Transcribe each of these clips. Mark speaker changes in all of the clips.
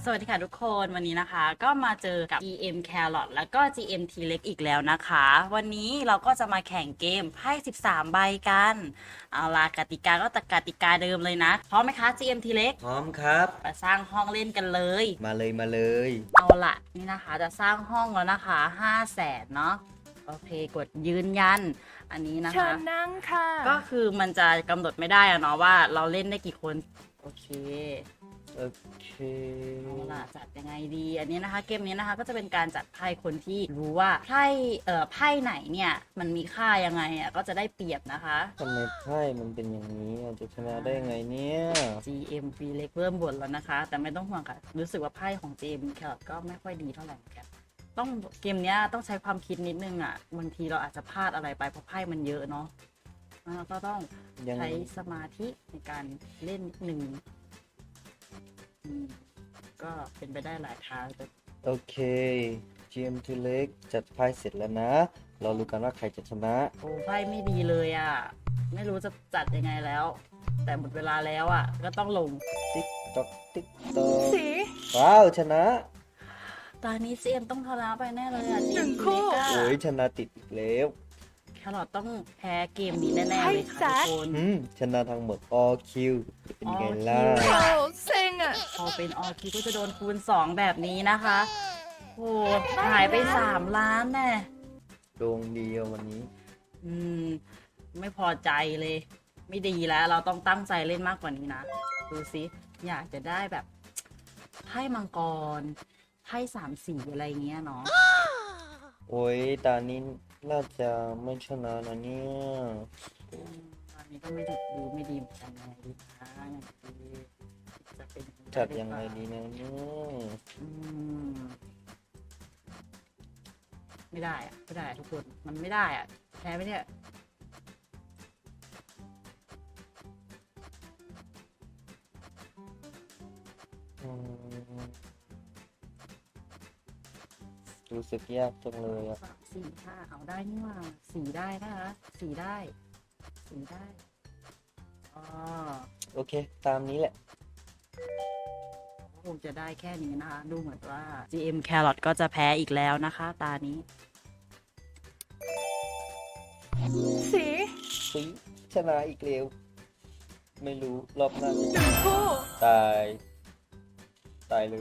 Speaker 1: สวัสดีค่ะทุกคนวันนี้นะคะก็มาเจอกับ GM Carrot แล้วก็ GM T เล็กอีกแล้วนะคะวันนี้เราก็จะมาแข่งเกมไพ่13 ใบกันเอาล่ะกติกาก็กติกาเดิมเลยนะพร้อมไหมคะ GM T เล็ก
Speaker 2: พร้อมครับ
Speaker 1: มาสร้างห้องเล่นกันเลย
Speaker 2: มาเลย
Speaker 1: เอาล่ะนี่นะคะจะสร้างห้องแล้วนะคะ500,000เนาะโอเคกดยืนยันอันนี้นะ
Speaker 3: เชิ
Speaker 1: คะ
Speaker 3: ญนั่งค่ะ
Speaker 1: ก็คือมันจะกำหนดไม่ได้อะเนาะว่าเราเล่นได้กี่คนโอเค
Speaker 2: โอเค
Speaker 1: เอาล่ะจัดยังไงดีอันนี้นะคะเกมนี้นะคะก็จะเป็นการจัดไพ่คนที่รู้ว่าไพ่ไหนเนี่ยมันมีค่ายังไงอ่ะก็จะได้เปรียบนะคะ
Speaker 2: ทำไมไพ่มันเป็นอย่างนี้จะชนะได้ยังไงเนี่ย
Speaker 1: GM ปีเล็กเริ่มบ่นแล้วนะคะแต่ไม่ต้องห่วงค่ะรู้สึกว่าไพ่ของ GM แครอทก็ไม่ค่อยดีเท่าไหร่เหมือนกันต้องเกมนี้ต้องใช้ความคิดนิดนึงอ่ะบางทีเราอาจจะพลาดอะไรไปเพราะไพ่มันเยอะเนาะแล้วก็ต้องใช้สมาธิในการเล่นนิดนึงก็เป็นไปได้หลายทางแต่
Speaker 2: โอเค GM ทีเล็กจัดไพ่เสร็จแล้วนะ เรารู้กันว่าใครจะชนะ
Speaker 1: โอ้ไพ่ไม่ดีเลยอ่ะไม่รู้จะจัดยังไงแล้ว แต่หมดเวลาแล้วอ่ะก็ต้องลง
Speaker 2: ติ๊กต๊อกติ๊กต๊อก
Speaker 3: สี
Speaker 2: ว้าวชนะ
Speaker 1: ตอนนี้ GM ต้องชนะไปแน่เลยอ่ะ
Speaker 3: หนึ่งคู่
Speaker 2: โอ้ยชนะติดอีกแล้ว
Speaker 1: แครอทต้องแพ้เกมนี้แน่ๆเลยค่ะทุกคน
Speaker 2: ชนะทั้งหมด all kill เป็นไงล่ะ
Speaker 1: all
Speaker 3: โอ้เซ็งอ่ะ
Speaker 1: พอเป็นออคิวก็จะโดนคูณ2แบบนี้นะคะโอ้หายไป3 ล้านแน่
Speaker 2: ดวงเดียววันนี้
Speaker 1: อืมไม่พอใจเลย ไม่ดีแล้วเราต้องตั้งใจเล่นมากกว่านี้นะดูสิอยากจะได้แบบไพ่มังกรไพ่3 สีอะไรเงี้ยเนาะ
Speaker 2: โอ้ยตอนนี้น่าจะไม่ชนะนะเนี่ย
Speaker 1: ตอนนี้ก็ไม่ดูไม่ดีเหมือนกันนะดีนะอย่างที่จะเป็น
Speaker 2: จัดยังไงดีนะเนี่ย
Speaker 1: อืมไม่ได้อะไม่ได้อะทุกคนมันไม่ได้อะแพ้ไหมเนี่ย
Speaker 2: อืมรู้สึกยากจังเลยอ่ะ
Speaker 1: 3 4 5เอาได้นี่หว่าสีได้นะคะสีได้อ๋อ
Speaker 2: โอเค ตามนี้แหละ
Speaker 1: คงจะได้แค่นี้นะคะ ดูเหมือนว่า GM Carrot ก็จะแพ้อีกแล้วนะคะ ตานี้
Speaker 3: สี
Speaker 2: สิชนะอีกแล้ว ไม่รู้ รอบหน้าจะ
Speaker 3: หนึ่งคู่
Speaker 2: ตาย ตายเลย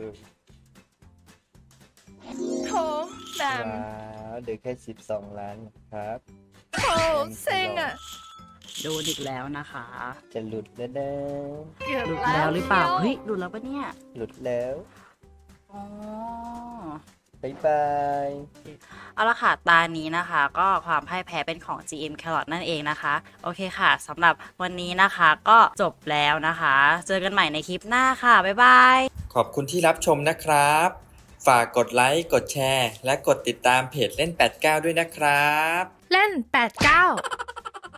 Speaker 3: โถแบม
Speaker 2: ว้าวเดือแค่12 ล้านนะครับ
Speaker 3: โถเซ็งอ่ะ
Speaker 1: โดนอีกแล้วนะคะ
Speaker 2: จะหลุดแล้วนะ
Speaker 3: เกือบ
Speaker 1: หลุด
Speaker 3: แล้
Speaker 1: แล้ว
Speaker 3: ว
Speaker 1: หรือเปล่า เฮ้ยหลุดแล้วปะเนี่ย
Speaker 2: หลุดแล้ว
Speaker 1: อ๋อ
Speaker 2: บ๊ายบาย
Speaker 1: เอาละค่ะตานี้นะคะก็ความพ่ายแพ้เป็นของ GM Carrot นั่นเองนะคะโอเคค่ะสำหรับวันนี้นะคะก็จบแล้วนะคะ เจอกันใหม่ในคลิปหน้าค่ะบ๊ายบาย
Speaker 4: ขอบคุณที่รับชมนะครับ ฝากกดไลค์ กดแชร์ และกดติดตามเพจเล่น 89 ด้วยนะครับ
Speaker 3: เล่น89